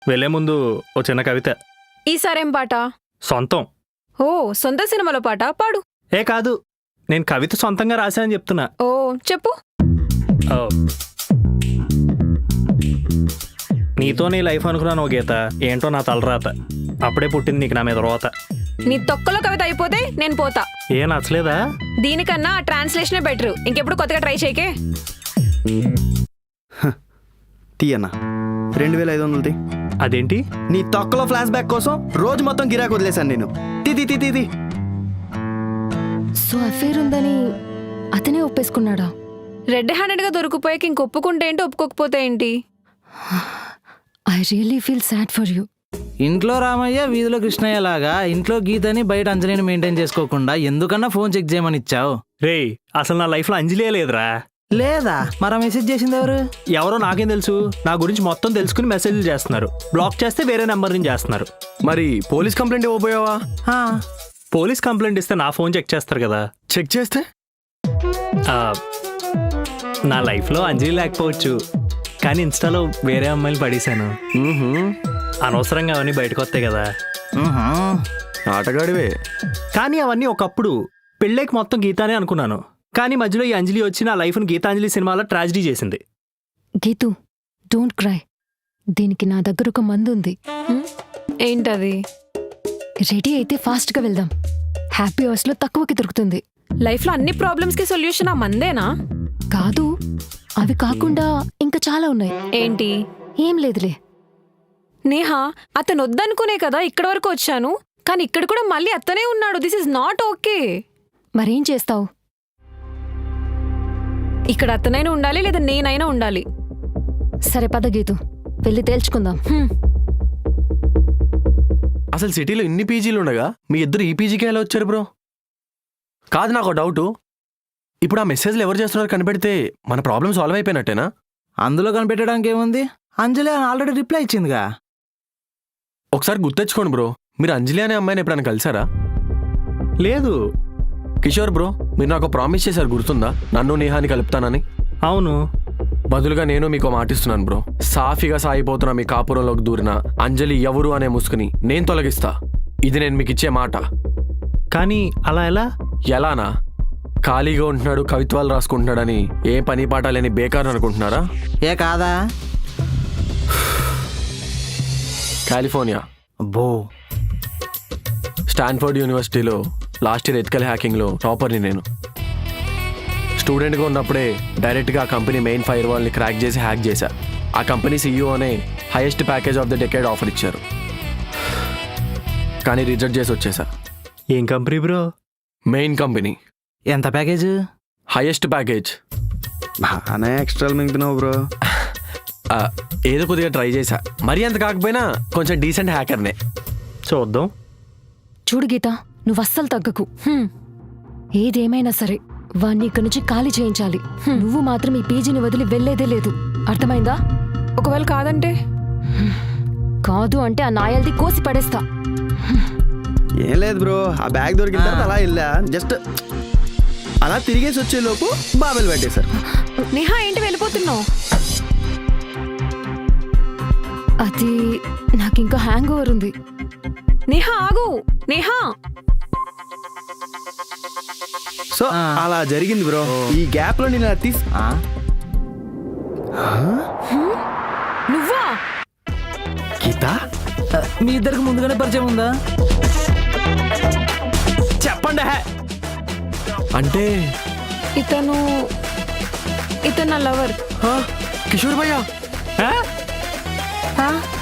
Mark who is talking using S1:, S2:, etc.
S1: వెళ్లే ముందు ఓ చిన్న కవిత.
S2: ఈసారేం పాట?
S1: సొంతం.
S2: ఓ, సొంత సినిమాలో పాట పాడు.
S1: ఏ కాదు, నేను కవిత సొంతంగా రాశానని చెప్తున్నా.
S2: ఓ చెప్పు.
S1: ఓ. నీతో నీ లైఫ్ అనుకున్నాను ఓ గీత, ఏంటో నా తలరాత. అప్పుడే పుట్టింది నీకు నా మీద రోత.
S2: నీ తొక్కలో కవిత అయిపోతే నేను పోతా.
S1: ఏ నచ్చలేదా?
S2: దీనికన్నా ట్రాన్స్లేషనే బెటర్. ఇంకెప్పుడు కొత్తగా ట్రై చేయకే.
S3: తీయన్నా 2500
S1: అదేంటి?
S3: నీ తొక్కలో ఫ్లాష్ బ్యాక్ కోసం రోజు మొత్తం గిరాకు వదిలేశాను నేను. తీ.
S4: సో అఫేర్ ఉందని అతనే ఒప్పేసుకున్నాడా?
S2: రెడ్ హ్యాండెడ్ గా దొరికిపోయాక ఇంక ఒప్పుకుంటే ఏంటి, ఒప్పుకోకపోతే ఏంటి?
S4: I really feel sad for you.
S5: ఇంట్లో రామయ్య వీధిలో కృష్ణయ్య లాగా ఇంట్లో గీతని బయట అంజలిని మెయింటైన్ చేసుకోకుండా ఎందుకన్నా ఫోన్ చెక్ చేయమని ఇచ్చావు?
S1: రేయ్, అసలు నా లైఫ్లో అంజలియే లేదురా.
S5: లేదా? మరి మెసేజ్ చేసింది ఎవరు?
S1: ఎవరో నాకేం తెలుసు. నా గురించి మొత్తం తెలుసుకుని మెసేజ్లు చేస్తున్నారు. బ్లాక్ చేస్తే వేరే నెంబర్ నుంచి చేస్తున్నారు.
S3: మరి పోలీస్ కంప్లైంట్ ఇవ్వబోయావా?
S1: పోలీస్ కంప్లైంట్ ఇస్తే నా ఫోన్ చెక్ చేస్తారు కదా.
S3: చెక్ చేస్తే
S1: నా లైఫ్లో అంజలి లేకపోవచ్చు, కానీ ఇన్స్టాలో వేరే అమ్మాయిలు పడేశాను. అనవసరంగా అవన్నీ బయటకు వస్తాయి కదా.
S3: ఆటగాడివే.
S1: కానీ అవన్నీ ఒకప్పుడు. పెళ్ళేకి మొత్తం గీతానే అనుకున్నాను. కానీ మధ్యలో ఈ అంజలి వచ్చి నా లైఫ్ను గీతాంజలి సినిమాలో ట్రాజిడీ చేసింది.
S4: Geethu, don't cry. దీనికి నా దగ్గర ఒక మందు ఉంది.
S2: ఏంటది?
S4: రెడీ అయితే ఫాస్ట్గా వెళ్దాం. హ్యాపీ అవర్స్లో తక్కువకి దొరుకుతుంది.
S2: లైఫ్లో అన్ని ప్రాబ్లమ్స్కి సొల్యూషన్ ఆ మందేనా?
S4: కాదు, అవి కాకుండా ఇంకా చాలా ఉన్నాయి.
S2: ఏంటి?
S4: ఏం లేదులే.
S2: నేహా, అతను వద్దనుకునే కదా ఇక్కడ వరకు వచ్చాను, కానీ ఇక్కడ కూడా మళ్ళీ అతనే ఉన్నాడు. This is not okay.
S4: మరేం చేస్తావు?
S2: ఇక్కడ అతనైనా ఉండాలి, లేదా నేనైనా ఉండాలి.
S4: సరే పద గీతు, వెళ్ళి తేల్చుకుందాం.
S6: అసలు సిటీలో ఇన్ని పీజీలు ఉండగా మీ ఇద్దరు ఈ పీజీకి ఎలా వచ్చారు బ్రో? కాదు, నాకు డౌటు. ఇప్పుడు ఆ మెసేజ్లు ఎవరు చేస్తున్నారు కనిపెడితే మన ప్రాబ్లం సాల్వ్ అయిపోయినట్టేనా?
S5: అందులో కనిపెట్టడానికి ఏముంది? అంజలి ఆల్రెడీ రిప్లై ఇచ్చిందిగా.
S6: ఒకసారి గుర్తెచ్చుకోండి బ్రో, మీరు అంజలి అనే అమ్మాయిని ఎప్పుడైనా కలిసారా?
S1: లేదు.
S6: కిషోర్ బ్రో, మీరు నాకు ప్రామిస్ చేశారు, గుర్తుందా? నన్ను నేహాని కలుపుతానని.
S1: అవును.
S6: బదులుగా నేను మీకు మాటిస్తున్నాను బ్రో. సాఫీగా సాగిపోతున్నా మీ కాపురంలోకి దూరిన అంజలి ఎవరు అనే ముసుకుని నేను తొలగిస్తా. ఇది నేను మీకు ఇచ్చే మాట.
S1: కానీ అలా ఎలా?
S6: ఎలానా? ఖాళీగా ఉంటున్నాడు, కవిత్వాలు రాసుకుంటున్నాడని ఏ పని పాట లేని బేకార్ అనుకుంటున్నారా?
S5: ఏ కాదా?
S6: కాలిఫోర్నియా
S5: అబ్బో.
S6: స్టాన్ఫోర్డ్ యూనివర్సిటీలో లాస్ట్ ఇయర్ ఎథికల్ హ్యాకింగ్లో టాపర్ని నేను. స్టూడెంట్గా ఉన్నప్పుడే డైరెక్ట్గా ఆ కంపెనీ మెయిన్ ఫైర్ వాల్ని క్రాక్ చేసి హ్యాక్ చేశా. ఆ కంపెనీ సీఈఓనే highest package of the decade offer ఇచ్చారు, కానీ రిజెక్ట్ చేసి వచ్చేసా.
S1: ఏం కంపెనీ బ్రో?
S6: Main company.
S5: ఎంత ప్యాకేజ్?
S6: Highest package.
S3: బాగానే ఎక్స్ట్రా మింగుతున్నావు బ్రో.
S6: ఏదో కొద్దిగా ట్రై చేశా. మరీ అంత కాకపోయినా కొంచెం డీసెంట్ హ్యాకర్నే.
S1: చూద్దాం.
S4: చూడు గీత, నువ్వు అస్సలు తగ్గకు. ఏదేమైనా సరే వాణ్ణి ఇక్కడి నుంచి ఖాళీ చేయించాలి. నువ్వు మాత్రం ఈ పీజీని వదిలి వెళ్లేదే లేదు. అర్థమైందా?
S2: ఒకవేళ కాదంటే?
S4: కాదు అంటే ఆ నాయల్ది కోసి పడేస్తా.
S3: ఏం లేదు బ్రో, ఆ బ్యాగ్ దొరికిన తర్వాత అలా వెళ్ళా. జస్ట్ అలా తిరిగేసి వచ్చేలోపు బాబెల్ పెట్టేశారు.
S2: నేహా, ఏంటి వెళ్ళిపోతున్నావు?
S4: అది నాకింకా హ్యాంగ్ ఓవర్ ఉంది.
S2: నేహా ఆగు. నేహా,
S3: సో అలా జరిగింది బ్రో. ఈ గ్యాప్ లో నేను తీసి
S2: నువ్వా?
S3: గీత,
S5: మీ ఇద్దరికి ముందుగానే పరిచయం ఉందా?
S1: చెప్పండి.
S6: అంటే
S2: ఇతను నా లవర్.
S6: కిషోర్ భయ్యా.
S1: ఆ?